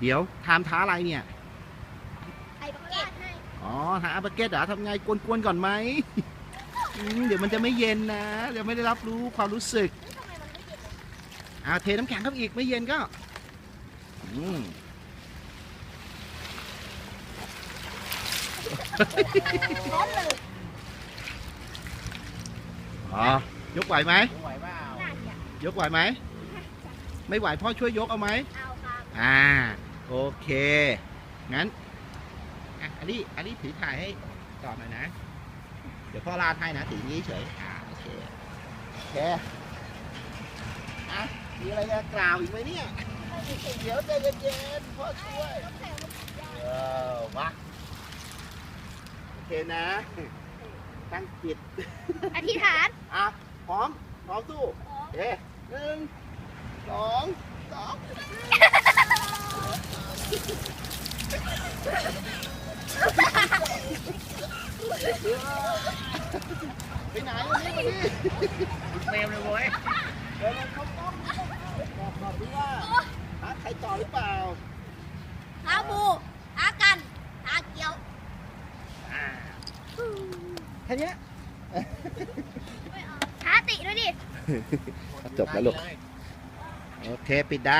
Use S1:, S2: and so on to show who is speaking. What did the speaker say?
S1: เดี๋ยวทามท้าอะไรเนี่ย
S2: ไอ้บักเก็ตให้
S1: อ๋อหาอาบาเกตเหรอทำไงกวนๆก่อนไหมเดี๋ยวมันจะไม่เย็นนะเดี๋ยวไม่ได้รับรู้ความรู้สึก
S2: ทำไมมันไม่เย็นเลย
S1: เทน้ำแข็งเข้าไปอีกไม่เย็นก็อืม
S2: ร้อนเลย
S1: อ๋อยกไหวไหม
S3: ไหวเปล่า
S2: น่าจะ
S1: ยกไหวไหมไม่ไหวพ่อช่วยยกเอาไหม
S2: เอาครับ
S1: โอเคงั้นอันนี้ถือถ่ายให้ก่อนหน่อยนะเดี๋ยวพ่อลาดให้นะถืออย่างนี้เฉยโอเคมีอะไรจะกล่าวอีกไหมเนี่ยเดี๋ยวใจเย็นๆพ่อช่วย
S2: ต้องใส่ลูกยาง
S1: มาโอเคนะตั้งจิต
S2: อธิษฐาน
S1: พร้อมสู้เอ๊1 2 ไปไหนวันนี้
S3: เฟรมเลยเว้ย
S1: เดี๋ยวเราเข้ากล้องบอกดูว่าใครต่อหรือเปล่า
S2: ท้าบูท้ากันท้าเกียว
S1: แค่นี้
S2: ท้าติด้วยดิ
S1: จบแล้วลูกโอเคปิดได้